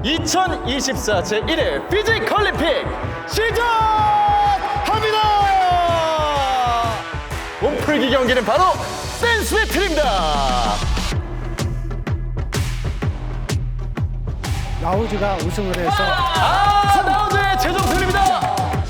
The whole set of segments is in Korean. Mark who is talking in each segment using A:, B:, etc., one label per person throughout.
A: 2024 제1회 피지컬림픽 시작합니다. 몸풀기 경기는 바로 댄스 배틀입니다.
B: 라우즈가 우승을 해서
A: 라우즈의 최종 승리입니다.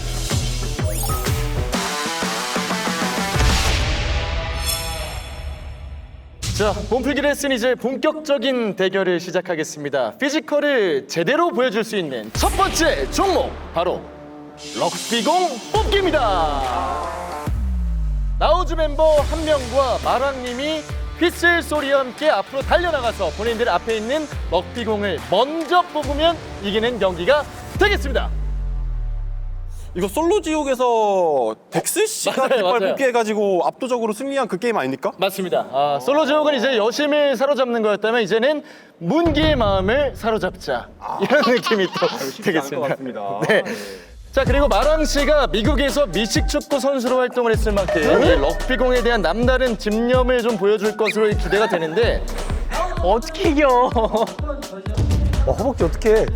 A: 자, 몸풀기 레슨 이제 본격적인 대결을 시작하겠습니다. 피지컬을 제대로 보여줄 수 있는 첫 번째 종목 바로 럭비공 뽑기입니다. 라우즈 멤버 한 명과 마랑님이 휘슬 소리와 함께 앞으로 달려나가서 본인들 앞에 있는 럭비공을 먼저 뽑으면 이기는 경기가 되겠습니다.
C: 이거 솔로 지옥에서 덱스 씨가
A: 맞아요,
C: 깃발
A: 맞아요.
C: 뽑기 해가지고 압도적으로 승리한 그 게임 아닙니까?
A: 맞습니다. 솔로 지옥은 이제 여심을 사로잡는 거였다면 이제는 문기의 마음을 사로잡자 이런 느낌이 또 되겠습니다.
C: 같습니다.
A: 네. 자, 그리고 마랑 씨가 미국에서 미식축구 선수로 활동을 했을 만큼 이 럭비공에 대한 남다른 집념을 좀 보여줄 것으로 기대가 되는데
B: 어떻게 이겨?
C: 허벅지 어떻게?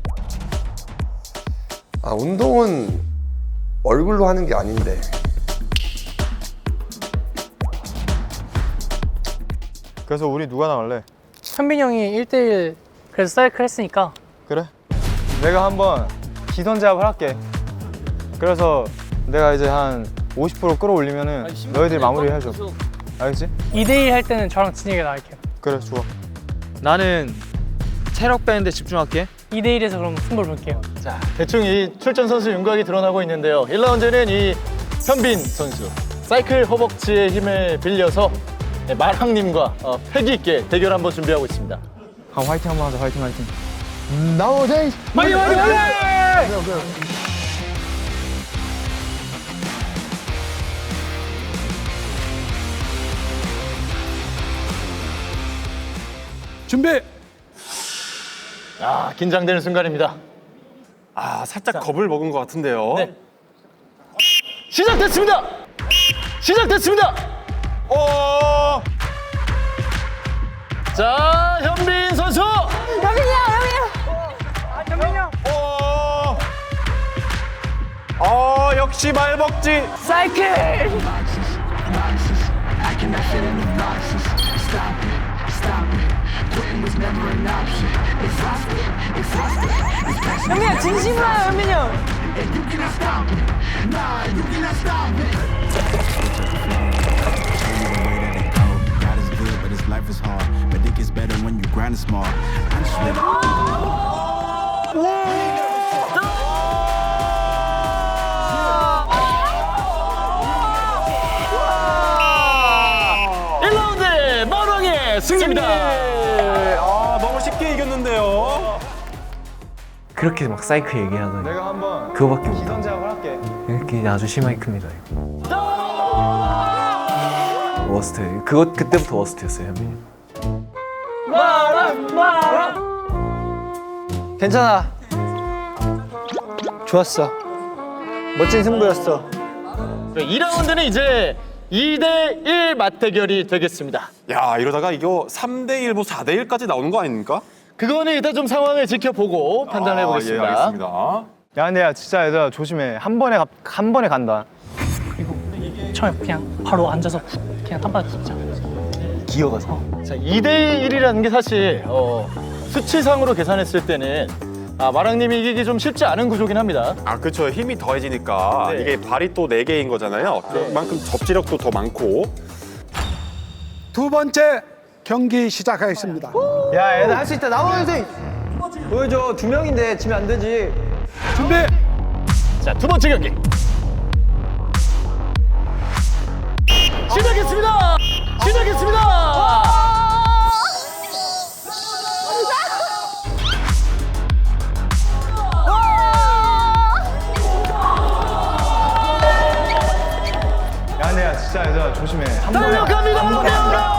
D: 운동은 얼굴로 하는 게 아닌데.
C: 그래서 우리 누가 나갈래?
E: 현빈이 형이 1대1 그래서 사이클 했으니까
C: 그래? 내가 한번 기선 제압을 할게. 그래서 내가 이제 한 50% 끌어올리면은 너희들이 마무리 해줘. 알겠지?
E: 2대1 할 때는 저랑 진혁이가 나갈게요.
C: 그래, 좋아.
F: 나는 체력 빼는데 집중할게.
E: 2대1에서 그럼 승부를 볼게요.
A: 자, 대충 이 출전 선수 윤곽이 드러나고 있는데요. 1라운드는 이 현빈 선수 사이클 허벅지의 힘을 빌려서 마랑님과 패기 있게 대결 한번 준비하고 있습니다.
F: 화이팅 한번 하자. 화이팅.
B: 준비.
A: 긴장되는 순간입니다.
C: 살짝 겁을 먹은 것 같은데요.
A: 네. 시작됐습니다. 시작됐습니다. 자, 현빈 선수.
C: 역시 말벅지.
E: 현빈이 진심으로 현빈이 형.
G: God is good, but his life is hard. But it gets better when you grind it smart. I'm just living.
A: 일라운드 마랑의 승리입니다.
C: 너무 쉽게 이겼는데요.
H: 그렇게 막 사이클 얘기하더니
C: 내가 한번
H: 그거밖에
C: 기선
H: 못하고
C: 제압을 할게.
H: 이렇게 아주 심하이크입니다 이거. 워스트. 그때부터 워스트였어요 현빈이.
B: 괜찮아. 좋았어. 멋진 승부였어.
A: 2라운드는 이제 2대1 맞대결이 되겠습니다.
C: 야, 이러다가 이거 3대1, 뭐 4대1까지 나오는 거 아닙니까?
A: 그거는 일단 좀 상황을 지켜보고 판단해
C: 예,
A: 보겠습니다.
C: 알겠습니다.
F: 야, 근데 야 진짜 얘들아 조심해. 한 번에 간다.
E: 처음에 그냥 바로 앉아서 그냥 한 바닥 붙자.
A: 자, 2대1이라는 게 사실 수치상으로 계산했을 때는 마랑님이 이기기 좀 쉽지 않은 구조긴 합니다.
C: 그렇죠. 힘이 더해지니까
A: 네.
C: 이게 발이 또 4개인 거잖아요. 그만큼 접지력도 더 많고.
B: 두 번째 경기 시작하겠습니다.
F: 야, 얘들 할 수 있다. 나와 선생. 보여줘. 2명인데 지면 안 되지.
B: 준비.
A: 자, 두 번째 경기 시작했습니다. 시작했습니다.
F: 야, 근데 야 진짜 얘들아 조심해.
A: 달려갑니다.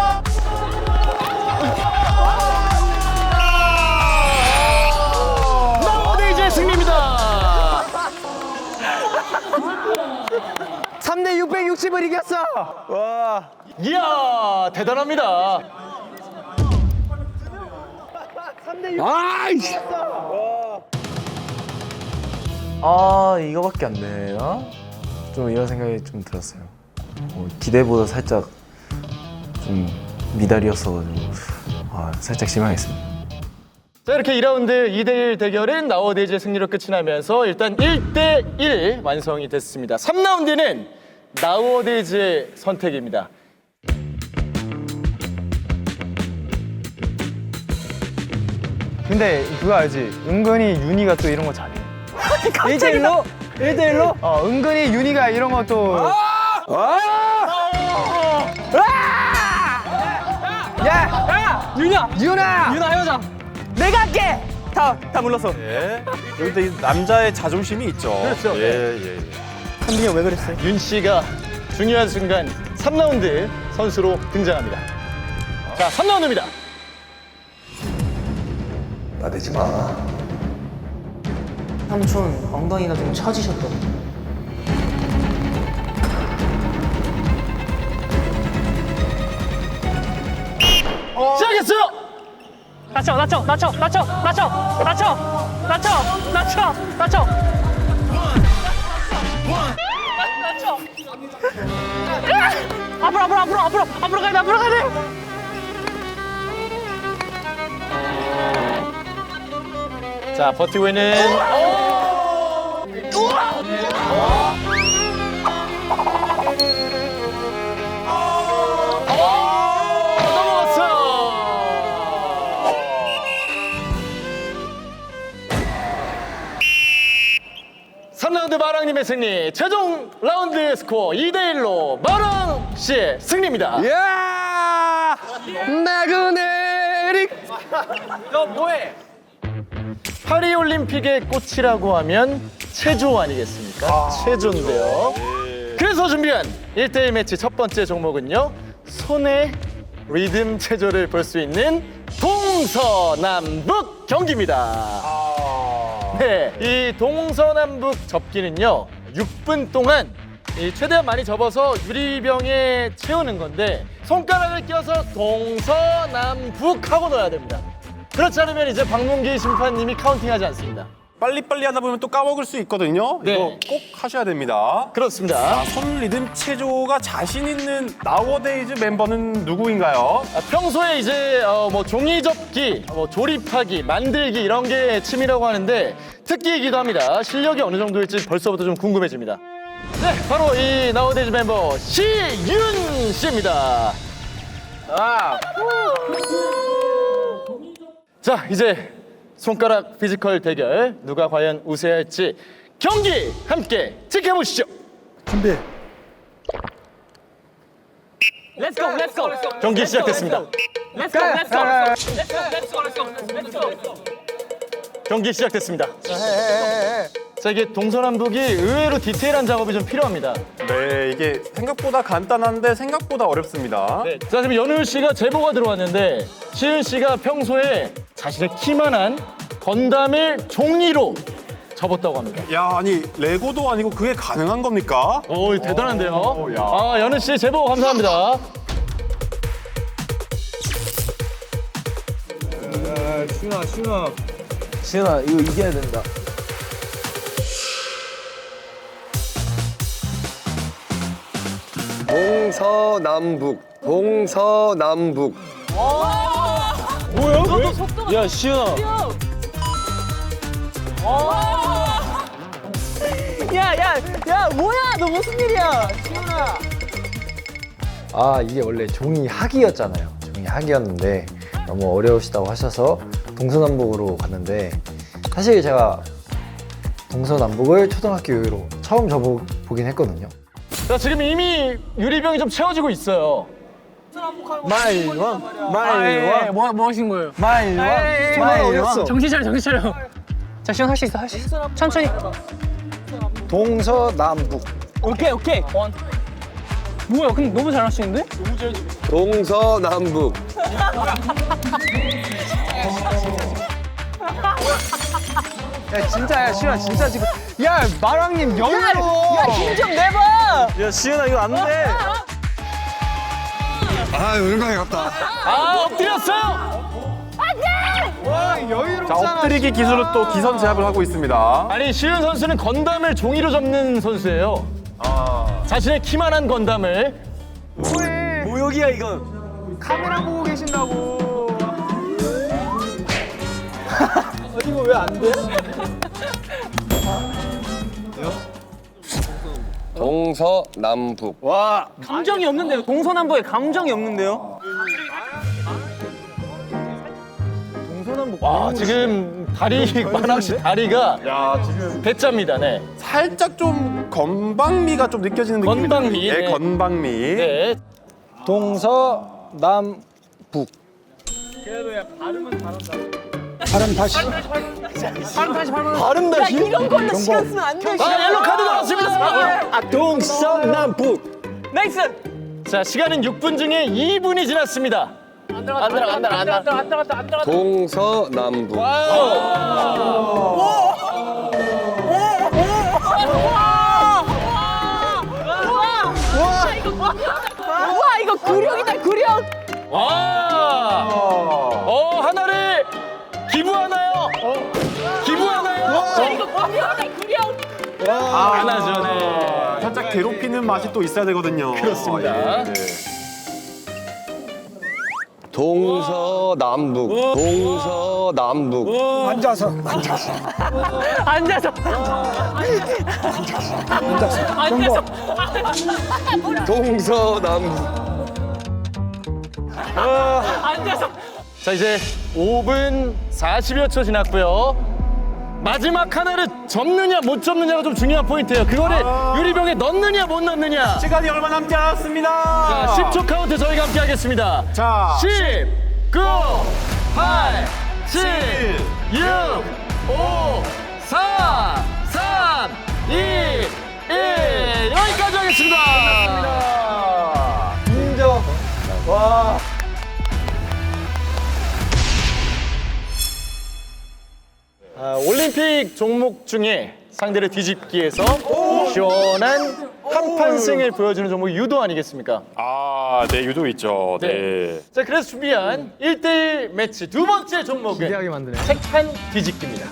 A: 나오대 이제 승리입니다.
F: 3대 660을 이겼어. 와.
A: 이야, 대단합니다.
B: 아이씨.
H: 아 이거밖에 안 되나? 좀 이런 생각이 좀 들었어요. 기대보다 살짝 좀 미달이었어가지고 살짝 실망했습니다.
A: 자, 이렇게 2라운드 2대1 대결은 나워데이즈의 승리로 끝이 나면서 일단 1대1 완성이 됐습니다. 3라운드는 나워데이즈의 선택입니다.
C: 근데 그거 알지? 은근히 윤희가 또 이런 거 잘해. 1대1로? 1대1로? 은근히 윤희가 이런 거 또.
E: 윤아 헤어져. 내가 할게. 다 물렀어.
I: 여기 남자의 자존심이 있죠.
A: 그렇죠.
E: 한빈이 형 왜 그랬어요?
A: 윤 씨가 중요한 순간 3라운드 선수로 등장합니다. 자, 3라운드입니다.
D: 나대지 마.
E: 삼촌 엉덩이가 좀 처지셨거든.
A: 시작했어요.
E: 낮춰. 앞으로 가야 돼.
A: 자, 버티고 있는 넘어갔어요. 삼 라운드 마랑님의 승리. 최종 라운드 스코어 2대1로 마랑 씨의 승리입니다.
B: 야! 나그네리.
A: 파리올림픽의 꽃이라고 하면 체조 아니겠습니까? 체조인데요. 그래서 준비한 1대1 매치 첫 번째 종목은요. 손의 리듬 체조를 볼 수 있는 동서남북 경기입니다. 네, 이 동서남북 접기는요. 6분 동안 최대한 많이 접어서 유리병에 채우는 건데 손가락을 껴서 동서남북 하고 넣어야 됩니다. 그렇지 않으면 이제 박문기 심판님이 카운팅하지 않습니다.
I: 빨리빨리 하다 보면 또 까먹을 수 있거든요.
A: 네.
I: 이거 꼭 하셔야 됩니다.
A: 그렇습니다.
I: 손 리듬 체조가 자신 있는 나워데이즈 멤버는 누구인가요?
A: 평소에 이제 뭐 종이 접기, 조립하기, 만들기 이런 게 취미라고 하는데 특기이기도 합니다. 실력이 어느 정도일지 벌써부터 좀 궁금해집니다. 네, 바로 이 나워데이즈 멤버 시윤 씨입니다. 자, 이제 손가락 피지컬 대결 누가 과연 우세할지 경기 함께 지켜보시죠.
B: 준비.
E: Let's go.
A: 경기 시작됐습니다. 경기 시작됐습니다. 자, 이게 동서남북이 의외로 디테일한 작업이 좀 필요합니다.
I: 네, 이게 생각보다 간단한데 생각보다 어렵습니다.
A: 네. 자, 지금 연우 씨가 제보가 들어왔는데 시윤 씨가 평소에 자신의 키만한 건담을 종이로 접었다고 합니다.
I: 야, 아니 레고도 아니고 그게 가능한 겁니까?
A: 오, 대단한데요.
I: 야.
A: 아, 연우 씨 제보 감사합니다.
H: 시은아 이거 이겨야 된다.
D: 동서남북.
H: 야 시은아.
E: 야, 뭐야? 너 무슨 일이야?
J: 이게 원래 종이 학이었잖아요. 종이 학이었는데 너무 어려우시다고 하셔서 동서남북으로 갔는데 사실 제가 동서남북을 초등학교 이후로 처음 접어보긴 했거든요.
A: 자, 지금 이미 유리병이 좀 채워지고 있어요.
E: 뭐 하신 거예요?
B: 어렸어.
E: 정신 차려. 자, 시원 할 수 있어. 천천히.
B: 동서남북.
E: 오케이. 뭐야? 근데 너무 잘하시는데?
D: 동서남북.
F: 야 진짜야 시윤아 진짜 지금 야 마랑님 영어로
E: 힘 좀 내봐.
H: 야 시은아 이거 안 돼.
B: 아, 은광이 같다.
A: 아, 엎드렸어요.
I: 자, 엎드리기 기술로 또 기선 제압을 하고 있습니다.
A: 아니 시윤 선수는 건담을 종이로 접는 선수예요. 자신의 키만한 건담을
H: 모욕이야 이건.
F: 카메라 보고 계신다고.
D: 동서남북.
H: 감정이 없는데요. 동서남북에 감정이 없는데요.
A: 와 지금 다리 마랑 씨 다리가
I: 야, 지금
A: 대짜입니다. 네.
I: 살짝 좀 건방미가 좀 느껴지는 느낌입니다.
A: 건방미,
I: 예,
A: 네.
I: 건방미.
A: 네.
B: 동서남북. 발음 다시.
A: 발음 다시.
E: 이런 걸로 시간 쓰면 안 돼.
A: 옐로 카드 나왔습니다.
B: 동서남북.
E: 나이스.
A: 자 시간은 6분 중에 2분이 지났습니다. 안 들어갔다.
D: 동서남북.
E: 와 이거 구력이다 구력.
A: 와. 하나를 기부하나요? 기부하나요?
E: 이거 구력이다 구력.
A: 안 하죠. 네.
I: 살짝 괴롭히는 맛이 또 있어야 되거든요.
A: 그렇습니다.
I: 예, 네.
D: 동서남북. 동서남북.
B: 앉아서.
E: 앉아서.
D: 동서남북.
E: 앉아서.
A: 자 이제 5분 40여 초 지났고요. 마지막 하나를 접느냐 못 접느냐가 좀 중요한 포인트예요. 그거를 유리병에 넣느냐 못 넣느냐.
I: 시간이 얼마 남지 않았습니다.
A: 자 10초 카운트 저희가 함께 하겠습니다.
I: 자,
A: 10, 9, 8, 7, 6, 5, 4, 3, 2, 1 여기까지 하겠습니다.
F: 인정. 와.
A: 올림픽 종목 중에 상대를 뒤집기에서 시원한 한판승을 보여주는 종목이 유도 아니겠습니까?
I: 아, 네, 유도 있죠. 네.
A: 자 그래서 준비한 1대1 매치 두 번째 종목은
F: 기대하게 만드네.
A: 색판 뒤집기입니다.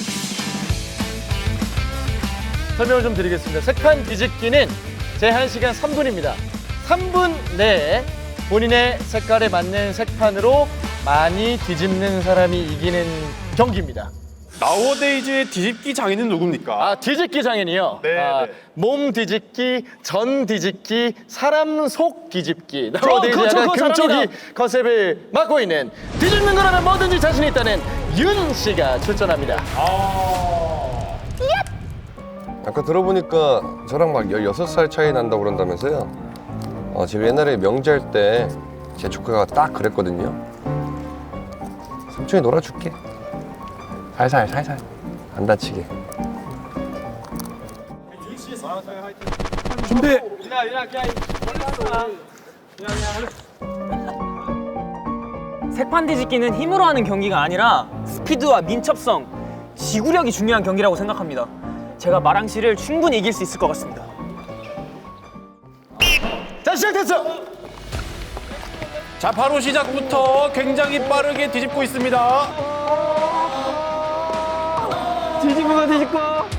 A: 설명을 좀 드리겠습니다. 색판 뒤집기는 제한 시간 3분입니다. 3분 내에 본인의 색깔에 맞는 색판으로 많이 뒤집는 사람이 이기는 경기입니다.
I: 나우어데이즈의 뒤집기 장인은 누굽니까?
A: 뒤집기 장인이요?
I: 네, 네.
A: 몸 뒤집기, 전 뒤집기, 사람 속 뒤집기. 나우어데이즈 약간
E: 그거
A: 금쪽이
E: 잘합니다.
A: 컨셉을 맡고 있는 뒤집는 거라면 뭐든지 자신 있다는 윤 씨가 출전합니다.
D: 아까 들어보니까 저랑 막 16살 차이 난다고 그런다면서요? 지금 옛날에 명절 때 제 조카가 딱 그랬거든요. 삼촌이 놀아줄게. 살살 안 다치게.
B: 준비.
H: 색판 뒤집기는 힘으로 하는 경기가 아니라 스피드와 민첩성, 지구력이 중요한 경기라고 생각합니다. 제가 마랑 씨를 충분히 이길 수 있을 것 같습니다.
A: 자 시작됐어.
I: 자, 바로 시작부터 굉장히 빠르게 뒤집고 있습니다.
F: 뒤집고.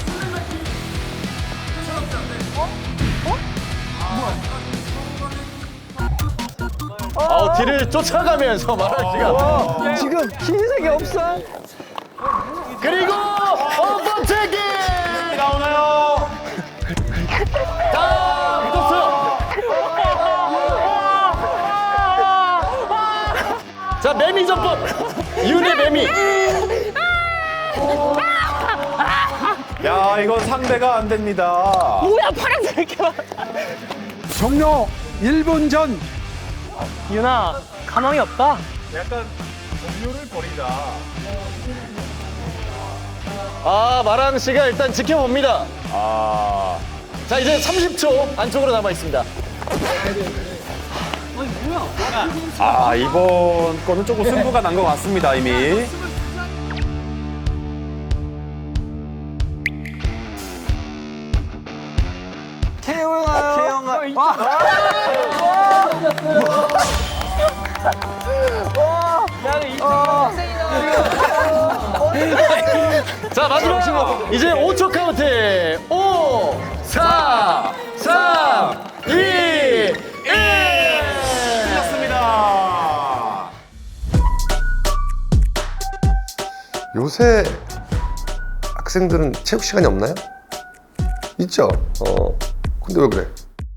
A: 뒤를 쫓아가면서 마랑 씨가
F: 지금 흰색이 없어.
A: 그리고 번째기
I: 나오나요?
A: 다 붙었어요. 자 매미 전법 윤의 매미.
I: 야, 이건 상대가 안 됩니다.
E: 뭐야 파란색.
B: 종료 1분 전.
E: 윤아 가망이 없다.
I: 약간 동료를 버리다.
A: 마랑 씨가 일단 지켜봅니다. 자 이제 30초 안쪽으로 남아 있습니다.
I: 이번 거는 조금 승부가 난 것 같습니다, 이미.
A: 자, 마지막 이제 5초 카운트. 5, 4, 3, 2, 1.
I: 끝났습니다.
D: 요새 학생들은 체육 시간이 없나요? 있죠. 근데 왜 그래?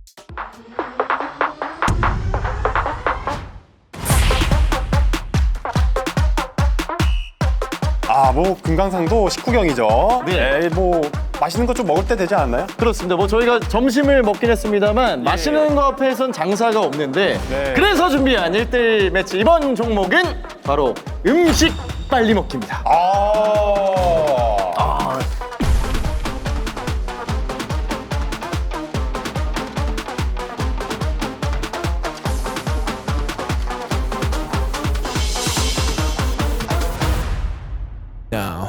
I: 뭐 금강산도 식후경이죠.
A: 네.
I: 뭐 맛있는 거 좀 먹을 때 되지 않나요?
A: 그렇습니다. 뭐 저희가 점심을 먹긴 했습니다만 맛있는 거 앞에선 장사가 없는데
I: 네.
A: 그래서 준비한 1대1 매치 이번 종목은 바로 음식 빨리 먹기입니다.
G: Now.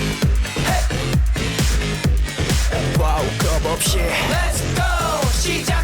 G: 와우 컵 없이 Let's go 시작